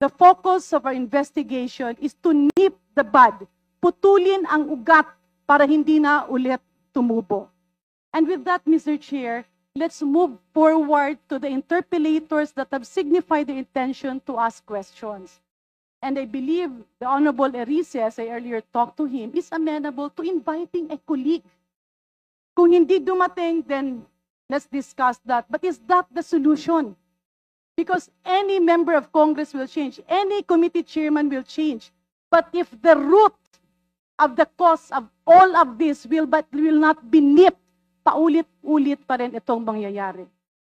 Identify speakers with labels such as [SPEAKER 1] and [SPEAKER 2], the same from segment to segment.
[SPEAKER 1] the focus of our investigation is to nip the bud, putulin ang ugat para hindi na ulit tumubo. And with that, Mr. Chair, let's move forward to the interpellators that have signified their intention to ask questions. And I believe the Honorable Erice, as I earlier talked to him, is amenable to inviting a colleague. Kung hindi dumating, then let's discuss that. But is that the solution? Because any member of Congress will change, any committee chairman will change. But if the root of the cause of all of this will not be nipped, paulit-ulit pa rin itong mangyayari.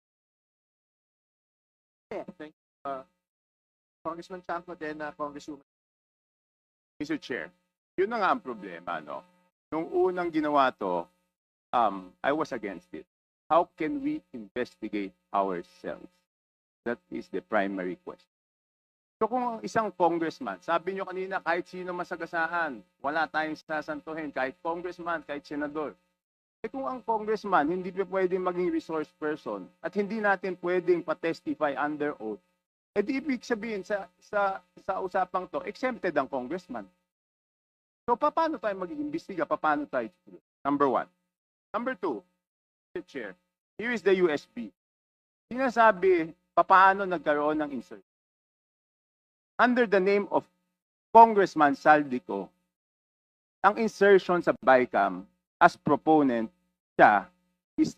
[SPEAKER 2] Thank you. Congressman Chanco, then Congresswoman. Mr. Chair, yun na nga ang problema, no? Nung unang ginawa to, I was against it. How can we investigate ourselves? That is the primary question. So kung isang congressman, sabi nyo kanina, kahit sino masagasaan, wala tayong sasantuhin, kahit congressman, kahit senador. Eh kung ang congressman hindi pa pwedeng maging resource person at hindi natin pwedeng pa-testify under oath, eh di ibig sabihin sa usapang to, exempted ang congressman. So paano tayo mag-iimbestiga? Paano tayo? Number one. Number two, Mr. Chair, here is the USB. Sinasabi, paano nagkaroon ng insert? Under the name of Congressman Saldico, ang insertion sa BICAM as proponent siya is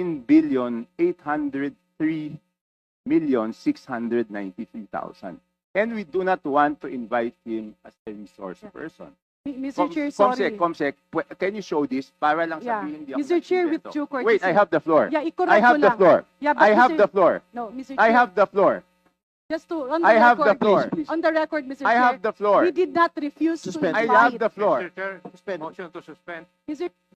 [SPEAKER 2] 13,803,693,000. And we do not want to invite him as a resource person.
[SPEAKER 1] Mr. Chair, sorry.
[SPEAKER 2] Comsec, can you show this? Para lang
[SPEAKER 1] Yeah.
[SPEAKER 2] sabihin hindi ako
[SPEAKER 1] Mr. Chair, with
[SPEAKER 2] nagsimbento.
[SPEAKER 1] due courtesy.
[SPEAKER 2] Wait, I have the floor.
[SPEAKER 1] Yeah,
[SPEAKER 2] I have the floor.
[SPEAKER 1] Yeah, but
[SPEAKER 2] I have
[SPEAKER 1] Mr.
[SPEAKER 2] the floor.
[SPEAKER 1] No, Mr. Chair.
[SPEAKER 2] I have the floor.
[SPEAKER 1] Just to, on the
[SPEAKER 2] I have the
[SPEAKER 1] record,
[SPEAKER 2] floor.
[SPEAKER 1] On the record, Mr.
[SPEAKER 2] I
[SPEAKER 1] Chair.
[SPEAKER 2] have the floor.
[SPEAKER 1] We did not refuse
[SPEAKER 3] Suspend.
[SPEAKER 1] to
[SPEAKER 2] I
[SPEAKER 1] invite.
[SPEAKER 2] have the floor.
[SPEAKER 3] Mr. Chair, motion to suspend.
[SPEAKER 1] Mr.